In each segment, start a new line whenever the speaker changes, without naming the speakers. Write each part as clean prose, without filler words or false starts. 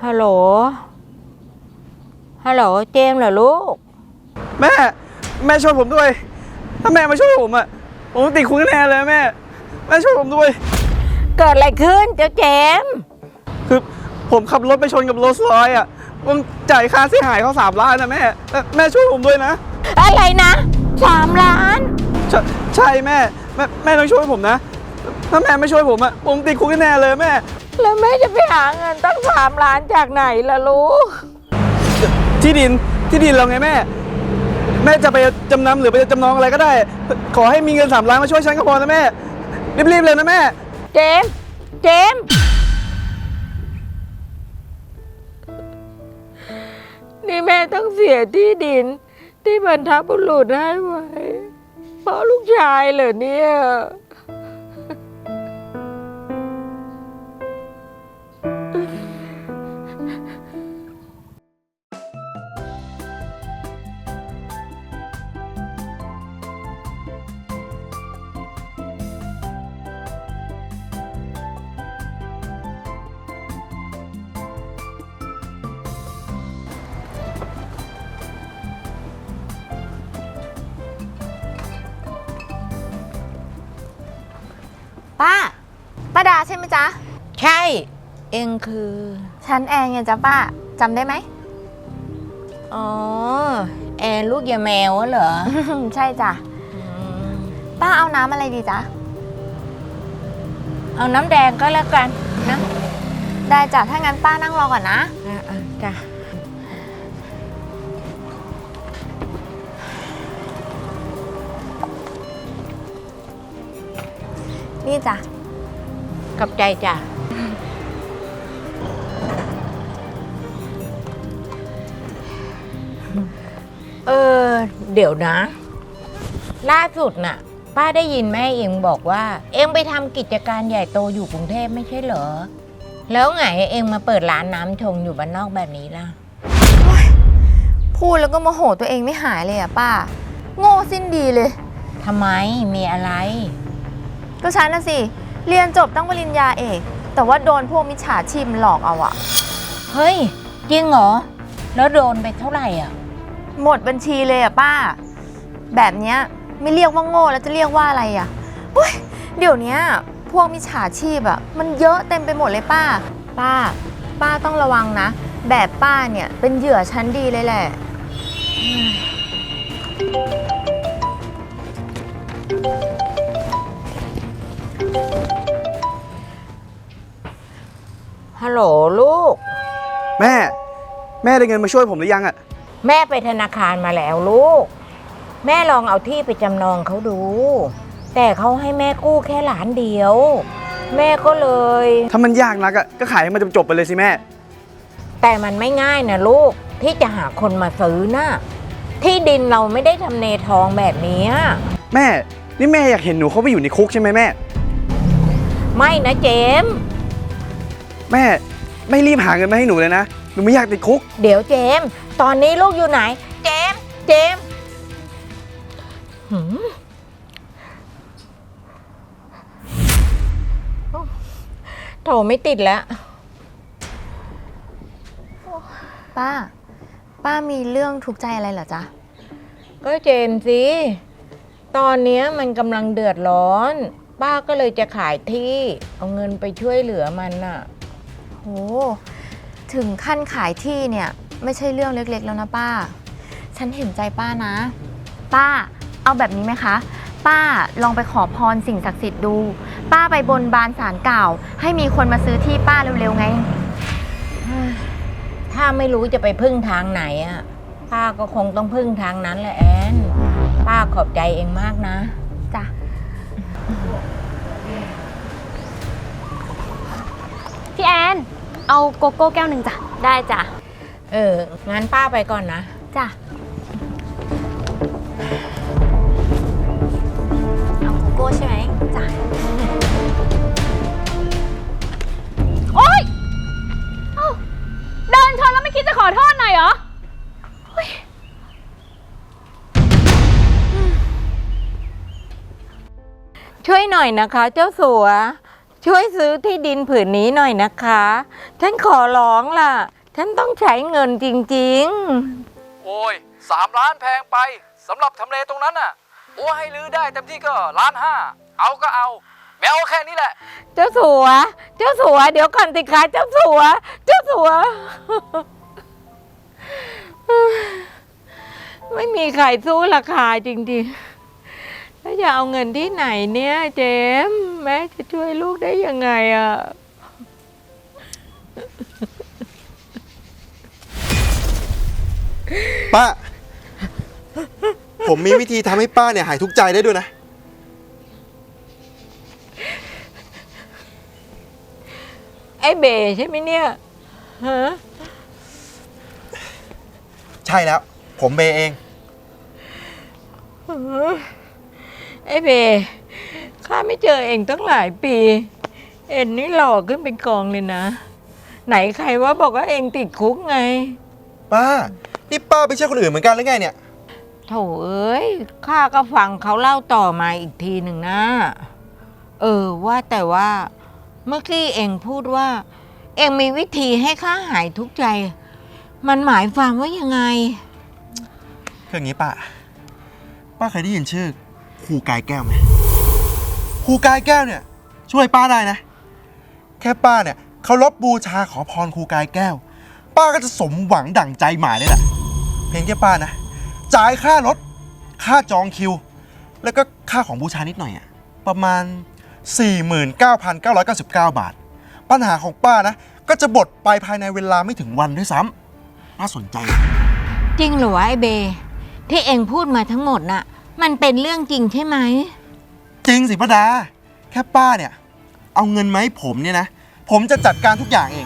ฮัลโหลเจมส์เหรอลูก
แม่ช่วยผมด้วยถ้าแม่มาช่วยผมอะผมติดคุกแน่เลยแม่ช่วยผมด้วย
เกิดอะไรขึ้นเจ้าเจมส์
คือผมขับรถไปชนกับโรลส์รอยซ์อะผมจ่ายค่าเสียหายเขา3 ล้านนะแม่ช่วยผมด้วยนะ
อะไรนะ3 ล้าน
ใช่แม่ต้องช่วยผมนะถ้าแม่ไม่ช่วยผมอะผมติดคุกแน่เลยแม่
แล้วแม่จะไปหาเงินตั้ง3 ล้านจากไหนล่ะลูก
ที่ดินเราไงแม่จะไปจำนำหรือไปจำนองอะไรก็ได้ขอให้มีเงิน3 ล้านมาช่วยฉันก็พอนะแม่รีบเลยนะแม่
เจมส์นี่แม่ต้องเสียที่ดินที่บรรพบุรุษให้ไว้เพราะลูกชายเหรอเนี่ย
ป้าดาใช่ไหมจ๊ะ
ใช่เองคือ
ฉันแอนไงจ๊ะป้าจำได้ไหม
อ๋อแอนลูกยาแมวเหรอ
ใช่จ้ะป้าเอาน้ำอะไรดีจ๊ะ
เอาน้ำแดงก็แล้วกันนะ
ได้จ้ะถ้างั้นป้านั่งรอก่อนนะ
จ้ะ
นี่จ้ะ
ขอบใจจ้ะเดี๋ยวนะล่าสุดน่ะป้าได้ยินแม่เองบอกว่าเองไปทำกิจการใหญ่โตอยู่กรุงเทพไม่ใช่เหรอแล้วไงเองมาเปิดร้านน้ำชงอยู่บ้านนอกแบบนี้ล่ะ
พูดแล้วก็โมโหตัวเองไม่หายเลยอ่ะป้าโง่สิ้นดีเลย
ทำไมมีอะไร
ก็ฉันน่ะสิเรียนจบตั้งปริญญาเอกแต่ว่าโดนพวกมิจฉาชีพหลอกเอาอะ
เฮ้ยจริงเหรอแล้วโดนไปเท่าไหร่อ่ะ
หมดบัญชีเลยอะป้าแบบเนี้ยไม่เรียกว่าโง่แล้วจะเรียกว่าอะไรอะเดี๋ยวนี้พวกมิจฉาชีพอะมันเยอะเต็มไปหมดเลยป้าต้องระวังนะแบบป้าเนี่ยเป็นเหยื่อชั้นดีเลยแหละ
ฮัลโหลลูก
แม่ได้เงินมาช่วยผมหรือยังอะ
แม่ไปธนาคารมาแล้วลูกแม่ลองเอาที่ไปจำนองเขาดูแต่เขาให้แม่กู้แค่1 ล้านแม่ก็เลย
ถ้ามันยากนักอะก็ขายให้มันจบไปเลยสิแม่
แต่มันไม่ง่ายนะลูกที่จะหาคนมาซื้อนะที่ดินเราไม่ได้ทำเลทองแบบนี้
แม่นี่แม่อยากเห็นหนูเขาไปอยู่ในคุกใช่ไหมแม่
ไม่นะเจมส์
แม่ไม่รีบหาเงินมาให้หนูเลยนะหนูไม่อยากติดคุก
เดี๋ยวเจมส์ตอนนี้ลูกอยู่ไหนเจมส์โทรไม่ติดแล้ว
ป้ามีเรื่องทุกข์ใจอะไรเหรอจ๊ะ
ก็เจมส์สิตอนนี้มันกำลังเดือดร้อนป้าก็เลยจะขายที่เอาเงินไปช่วยเหลือมันน่ะ
โหถึงขั้นขายที่เนี่ยไม่ใช่เรื่องเล็กๆแล้วนะป้าฉันเห็นใจป้านะป้าเอาแบบนี้ไหมคะป้าลองไปขอพรสิ่งศักดิ์สิทธิ์ดูป้าไปบนบานศาลกล่าวให้มีคนมาซื้อที่ป้าเร็วๆไง
ถ้าไม่รู้จะไปพึ่งทางไหนอ่ะป้าก็คงต้องพึ่งทางนั้นแหละแอนป้าขอบใจเองมากนะ
จ้ะพี่แอนเอาโกโก้แก้ว 1จ้ะได้จ้ะ
งั้นป้าไปก่อนนะ
จ้ะเอาโกโก้ใช่ไหมจ้ะ
โอ๊ยเดินชนแล้วไม่คิดจะขอโทษหน่อยเหรอ
ช่วยหน่อยนะคะเจ้าสัวช่วยซื้อที่ดินผืนนี้หน่อยนะคะฉันขอร้องล่ะฉันต้องใช้เงินจริง
โอ้ย3 ล้านแพงไปสำหรับทำเลตรงนั้นน่ะโอ้ให้ลื้อได้เต็มที่ก็1.5 ล้านเอาก็เอาแมวแค่นี้แหละ
ๆ เจ้าสัว เจ้าสัว เดี๋ยวก่อนสิคะเจ้าสัว เจ้าสัว ไม่มีใครสู้ราคาจริงๆ แล้วจะเอาเงินที่ไหนเนี่ยเจมส์แม่จะช่วยลูกได้ยังไงอ่ะ
ป้า ผมมีวิธีทำให้ป้าเนี่ยหายทุกข์ใจได้ด้วยนะ
ไอ้เบใช่ไหมเนี่ยฮะ
ใช่แล้ว ผมเบเอง
ไอ้เบข้าไม่เจอเองตั้งหลายปี เอ็นนี่หล่อขึ้นเป็นกองเลยนะ ไหนใครว่าบอกว่าเองติดคุกไง
ป้า นี่ป้าไม่ใช่คนอื่นเหมือนกันหรือไงเนี่ย
โถเอ้ยข้าก็ฟังเขาเล่าต่อมาอีกทีหนึ่งนะ ว่าแต่ว่าเมื่อกี้เองพูดว่า เองมีวิธีให้ข้าหายทุกข์ใจ มันหมายความว่ายังไง
คืออย่างนี้ป้า ป้าเคยได้ยินชื่อครูกายแก้วไหมครูกายแก้วเนี่ย ช่วยป้าได้นะ แค่ป้าเนี่ยเคารพบูชาขอพรครูกายแก้ว ป้าก็จะสมหวังดั่งใจหมายเลยแหละเพียงแค่ป้านะ จ่ายค่ารถ ค่าจองคิว แล้วก็ค่าของบูชานิดหน่อยอะประมาณ 49,999 บาท ปัญหาของป้านะ ก็จะบดไปภายในเวลาไม่ถึงวันด้วยซ้ำน่าสนใจนะ
จริงเหรอวะไอ้เบ ที่เองพูดมาทั้งหมดน่ะ มันเป็นเรื่องจริงใช่ไหม
จริงสิป้าดา แค่ป้าเนี่ย เอาเงินมาให้ผมเนี่ยนะ ผมจะจัดการทุกอย่างเอง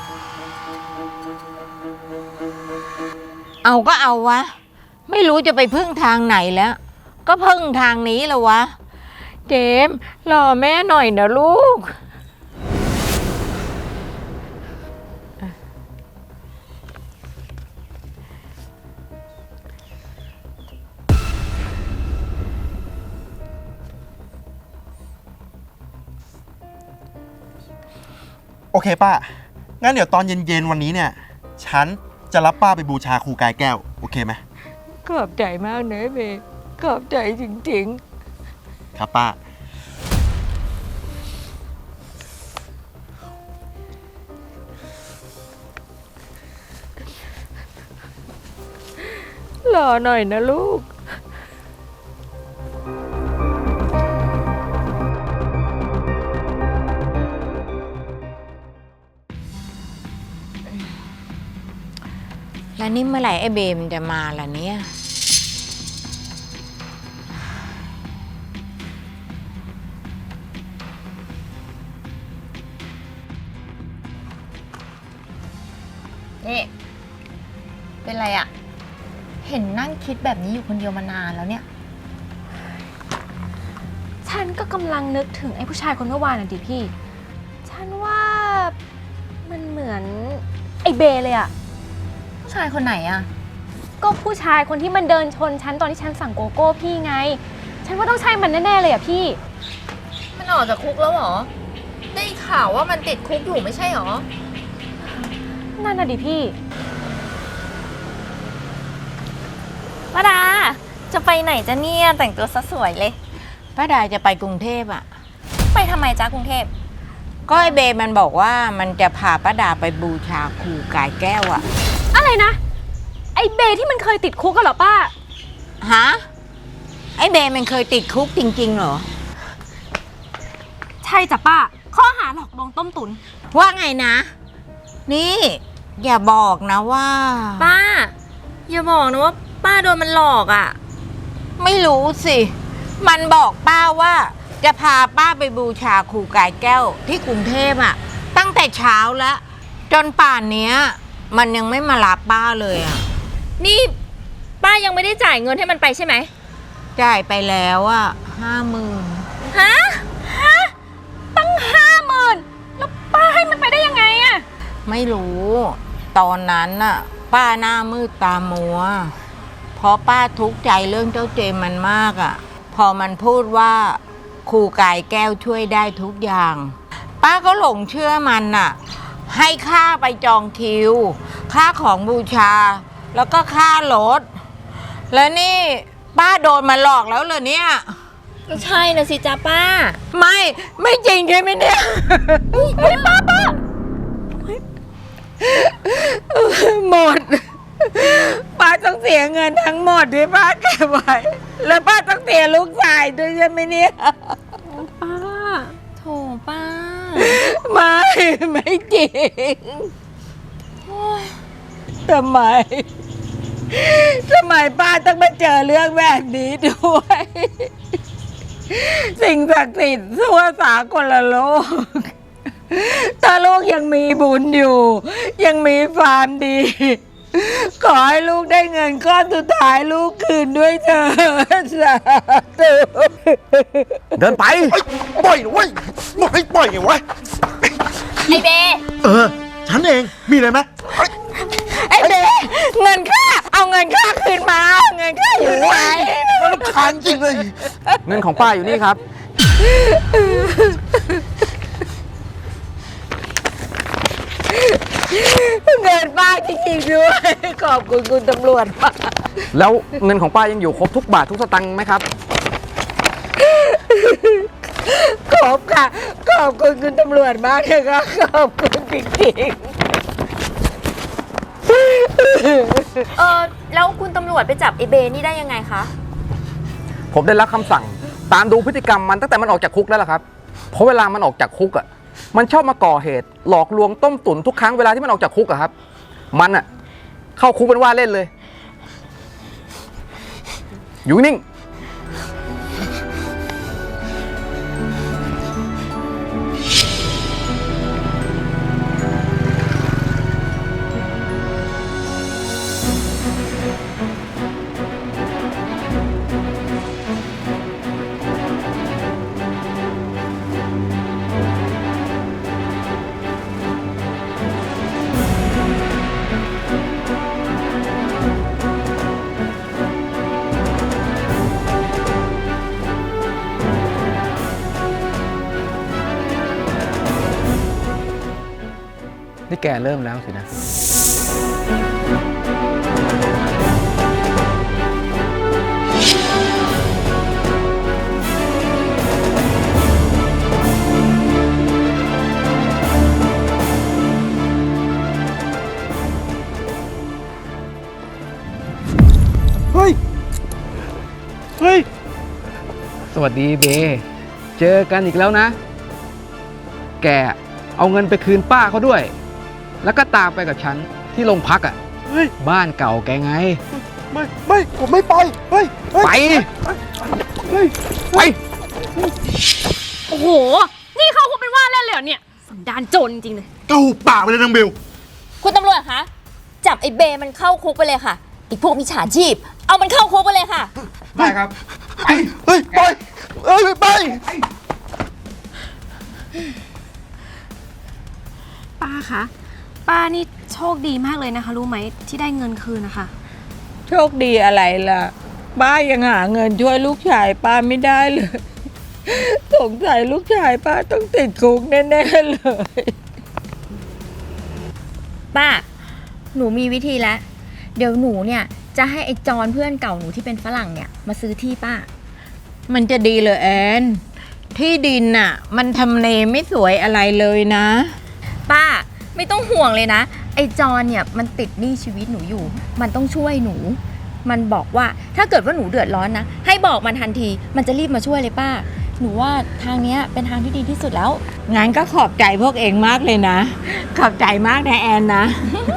เอาก็เอาวะ ไม่รู้จะไปพึ่งทางไหนแล้ว ก็พึ่งทางนี้แล้ววะ เจมส์รอแม่หน่อยนะลูก
โอเคป้า งั้นเดี๋ยวตอนเย็นๆวันนี้เนี่ย ฉันจะรับป้าไปบูชาครูกายแก้ว โอเคไหม
ขอบใจมากนะไอ้เบ ขอบใจจริง
ครับป้า
ๆ รอหน่อยนะลูก แล้วนี่เมื่อไหร่ไอ้เบมนจะมาล่ะเนี่ย
นี่ เป็นไรอะเห็นนั่งคิดแบบนี้อยู่คนเดียวมานานแล้วเนี่ย
ฉันก็กำลังนึกถึงไอ้ผู้ชายคนเมื่อวานน่ะดิพี่ ฉันว่ามันเหมือนไอ้เบเลยอะ
ผู้ชายคนไหนอะ
ก็ผู้ชายคนที่มันเดินชนฉันตอนที่ฉันสั่งโกโก้พี่ไง ฉันว่าต้องใช่มันแน่ๆเลยอะพี่
มันออกจากคุกแล้วเหรอ ได้ข่าวว่ามันติดคุกอยู่ไม่ใช่เหรอ
นั่นน่ะดิพี่
ป้าดา จะไปไหนจะเนี่ยแต่งตัวซะสวยเลย
ป้าดาจะไปกรุงเทพอ่ะ
ไปทำไมจ้ากรุงเทพ
ก็ไอ้เบมันบอกว่ามันจะพาป้าดาไปบูชาครูกายแก้วอ่ะ
อะไรนะ ไอ้เบที่มันเคยติดคุกกันเหรอป้า
ฮะ ไอ้เบมันเคยติดคุกจริง ๆ เหรอ
ใช่จ้ะป้า ข้อหาหลอกลวงต้มตุ๋น
ว่าไงนะ นี่ อย่าบอกนะว่า
ป้า อย่าบอกนะว่าป้าโดนมันหลอกอะ่ะ
ไม่รู้สิ มันบอกป้าว่าจะพาป้าไปบูชาครูกายแก้วที่กรุงเทพอ่ะ ตั้งแต่เช้าแล้ว จนป่านเนี้ย มันยังไม่มารับป้าเลยอ่ะ
นี่ป้ายังไม่ได้จ่ายเงินให้มันไปใช่ไหม
จ่ายไปแล้วอ่ะ50,000
ฮะ
ตั้ง50,000แล้วป้าให้มันไปได้ยังไงอะ
ไม่รู้ ตอนนั้นน่ะ ป้าหน้ามืดตามัว เพราะป้าทุกข์ใจเรื่องเจ้าเจมมันมากอ่ะ พอมันพูดว่าครูกายแก้วช่วยได้ทุกอย่าง ป้าก็หลงเชื่อมันน่ะ ให้ค่าไปจองคิวค่าของบูชา แล้วก็ค่ารถ แล้วนี่ป้าโดนมาหลอกแล้วเหรอเนี่ย
ก็ใช่นะสิจ้าป้า
ไม่จริงใช่ไหมเนี่ยป้าหมด ป้าต้องเสียเงินทั้งหมดที่ป้าเก็บไว้ แล้วป้าต้องเสียลูกชายด้วยใช่ไหมเนี่ย
ป้า
โถป้า
ไม่จริงทำไมป้าต้องมาเจอเรื่องแบบนี้ด้วย สิ่งศักดิ์สิทธิ์ทั่วสากลโลก ถ้าลูกยังมีบุญอยู่ ยังมีความดี ขอให้ลูกได้เงินก้อนสุดท้ายลูกคืนด้วยเถิดสาธุ
เดินไป
ปล่อยนะเว้ยบอกให้ปล่อยไงวะ
ไอเบ
ฉันเอง มีอะไรไหม
ไอ้เบ๊เงินค่าเอาเงินค่าคืนมาเอาเงินค่าอยู่ไหน
มันรำคาญจริงเลย
เงินของป้าอยู่นี่ครับ
เงินป้าจริงๆด้วย ขอบคุณคุณตำรวจมาก
แล้วเงินของป้ายังอยู่ครบทุกบาททุกสตังค์ไหมครับ
ขอบค่ะ ขอบคุณคุณตำรวจมากเลยค่ะขอบคุณจริง
แล้วคุณตำรวจไปจับไอเบนี่ได้ยังไงคะ
ผมได้รับคำสั่งตามดูพฤติกรรมมันตั้งแต่มันออกจากคุกแล้วล่ะครับ เพราะเวลามันออกจากคุกอ่ะ มันชอบมาก่อเหตุ หลอกลวงต้มตุ๋นทุกครั้งเวลาที่มันออกจากคุกอะครับ มันอ่ะเข้าคุกเป็นว่าเล่นเลย อยู่นิ่ง นี่แกเริ่มแล้วสินะ
เฮ้ย เฮ้ย
สวัสดีเบ เจอกันอีกแล้วนะ แกเอาเงินไปคืนป้าเขาด้วย แล้วก็ตามไปกับฉันที่โรงพักอ่ะ
เฮ้ย
บ้านเก่าแกไง
ไม่ ผมไม่ไป เฮ้ย
ไป
เฮ้ย
ไป
โอ้โห นี่เขาคงเป็นว่าเล่นเลยเหรอเนี่ย สันดานโจรจริงๆเลย
เกาปากไปเลยนางเบล
คุณตำรวจคะ จับไอเบมันเข้าคุกไปเลยค่ะไอพวกมิจฉาชีพ เอามันเข้าคุกไปเลยค่ะ
ได้ครับ
เฮ้ย ปล่อย เฮ้ย ไป
ป้าคะ ป้านี่โชคดีมากเลยนะคะ รู้ไหมที่ได้เงินคืนนะคะ
โชคดีอะไรล่ะ ป้ายังหาเงินช่วยลูกชายป้าไม่ได้เลย สงสัยลูกชายป้าต้องติดคุกแน่ๆเลย
ป้า หนูมีวิธีแล้ว เดี๋ยวหนูเนี่ยจะให้ไอจอนเพื่อนเก่าหนูที่เป็นฝรั่งเนี่ยมาซื้อที่ป้า
มันจะดีเลยแอนที่ดินน่ะ มันทำเลไม่สวยอะไรเลยนะ
ป้าไม่ต้องห่วงเลยนะ ไอจอนเนี่ยมันติดหนี้ชีวิตหนูอยู่ มันต้องช่วยหนู มันบอกว่าถ้าเกิดว่าหนูเดือดร้อนนะ ให้บอกมันทันที มันจะรีบมาช่วยเลยป้า หนูว่าทางเนี้ยเป็นทางที่ดีที่สุดแล้ว
งั้นก็ขอบใจพวกเองมากเลยนะ ขอบใจมากนะแอนนะ